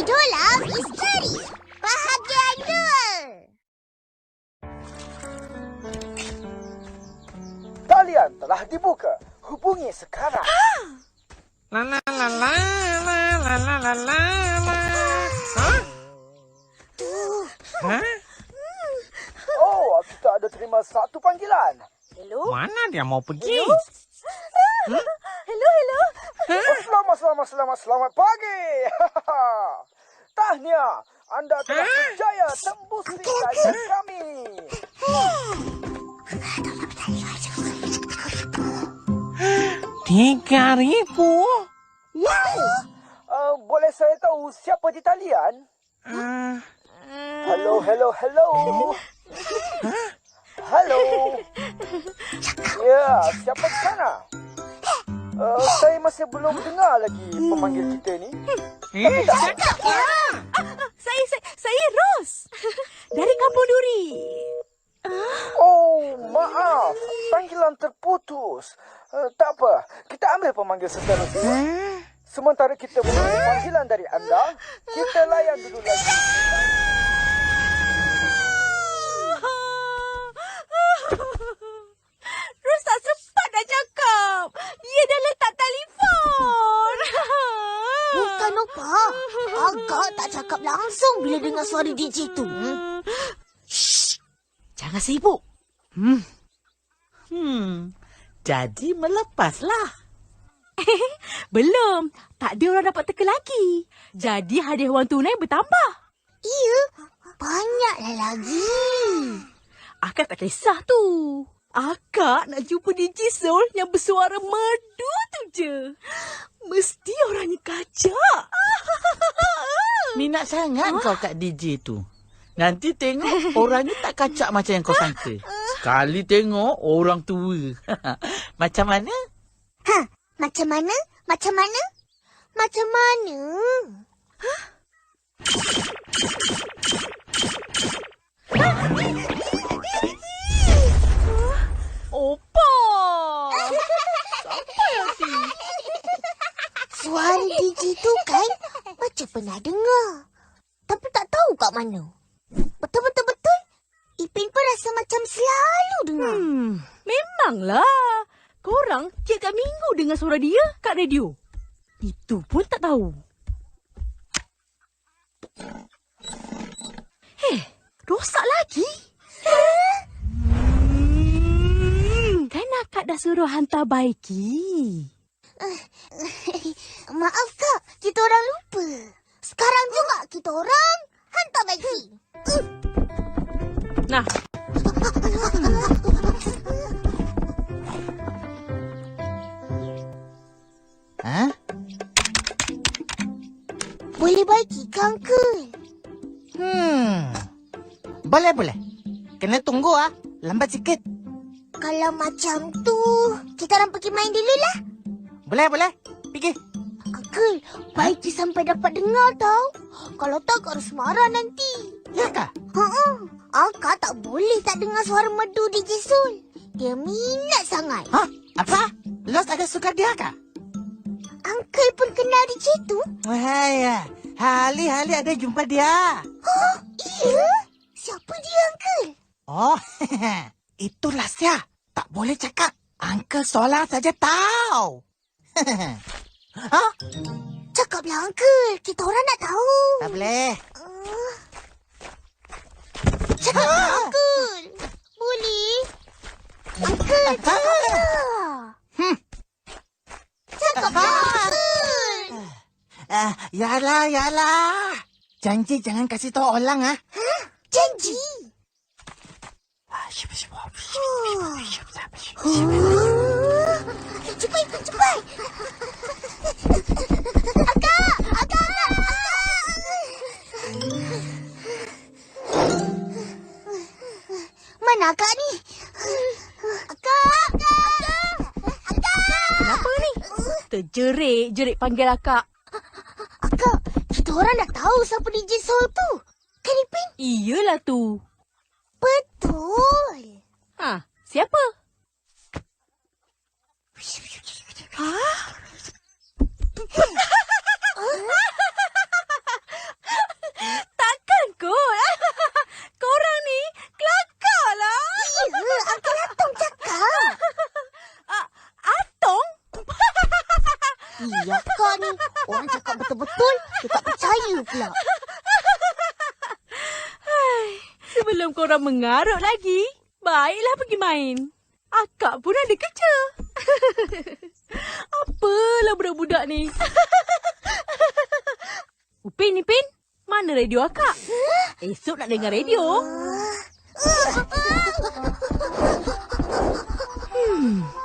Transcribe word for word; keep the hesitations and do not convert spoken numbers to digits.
Tenggelam misteri. Bahagian dua. Talian telah dibuka. Hubungi sekarang. La la la la la la la la la la. Hah? Hah? Oh, kita ada terima satu panggilan. Hello? Mana dia mau pergi? Hello? Hmm? Hello, hello. Oh, selamat, selamat, selamat, selamat pagi. Tahniah, anda telah berjaya tembus lisan kami. Tiga ribu? Wow. Uh, boleh saya tahu siapa di talian? Uh, Hello, hello, hello. Halo. Ya, siapa di sana? Uh, saya masih belum dengar lagi pemanggil kita ni. eh, cakap ya. Saya, saya, saya Ros. Dari Kampung Duri. Oh, maaf. Panggilan terputus. Uh, tak apa. Kita ambil pemanggil seterusnya. Sementara kita menunggu panggilan dari anda, kita layan dulu lagi. Ros tak sempat dah cakap. Dia dah letak telefon. Bukan apa. Agak tak cakap langsung bila dengar suara D J tu. Hmm? Shh. Jangan sibuk. Hmm. Hmm. Jadi melepaslah. Belum. Tak ada orang dapat teka lagi. Jadi hadiah wang tunai bertambah. Iya. Banyaklah lagi. Akak tak kisah tu. Akak nak jumpa D J Soul yang bersuara merdu tu je. Mesti orangnya kacak. Minat sangat huh? kau kat D J tu. Nanti tengok orangnya tak kacak macam yang kau sangka. Sekali tengok orang tua. Macam mana? Ha, macam mana? Macam mana? Macam mana? Hah? Opa! Siapa yang si? Suara D J tu kan macam pernah dengar. Tapi tak tahu kat mana. Betul-betul-betul. Ipin pun rasa macam selalu dengar. Hmm, memanglah. Korang tiap-tiap minggu dengar suara dia kat radio. Itu pun tak tahu. Heh, rosak lagi. Hmm, kan akak dah suruh hantar baiki. Maaf kak, kita orang lupa. Sekarang juga kita orang hantar baiki. Nah. Ha? Boleh baiki ke, Uncle? Hmm. Boleh, boleh. Kena tunggu ah. Lambat sikit. Kalau macam tu, kita orang pergi main dulu lah. Boleh, boleh. Pergi. Uncle, baiki sampai dapat dengar tau. Kalau tak, harus marah nanti. Ya kah? Ha-ha. Akak tak boleh tak dengar suara merdu D J Soul. Dia minat sangat. Ha? Apa? Los ada suka dia kah? Uncle pun kenal D J tu. Wahaya. Hali-hali ada jumpa dia. Oh, iya? Siapa dia, Uncle? Oh, itulah Sia. Tak boleh cakap. Uncle Solar saja tahu. Ha? Cakaplah, Uncle. Kita orang nak tahu. Tak boleh. Uh, cakaplah, Uncle. Boleh? Uncle, cakaplah. Hmm. Cakaplah, Uncle. Ah, yalah, yalah. Janji jangan kasih tahu orang ah. Hah? Janji? Oh. Oh. Cepat, cepat. Akak, akak, akak. Mana akak ni? Akak, akak, akak. Kenapa ni? Terjerit-jerit panggil akak. Akak, kita orang dah tahu siapa D J Soul tu. Kan, Ipin? Iyalah tu. Betul. Ha, siapa? Ha? Iya kak ni. Orang cakap betul-betul, dia tak percaya pula. Sebelum korang mengarut lagi, baiklah pergi main. Akak pun ada kerja. Apalah budak-budak ni. Upin, Ipin, mana radio akak? Esok nak dengar radio. Hmm.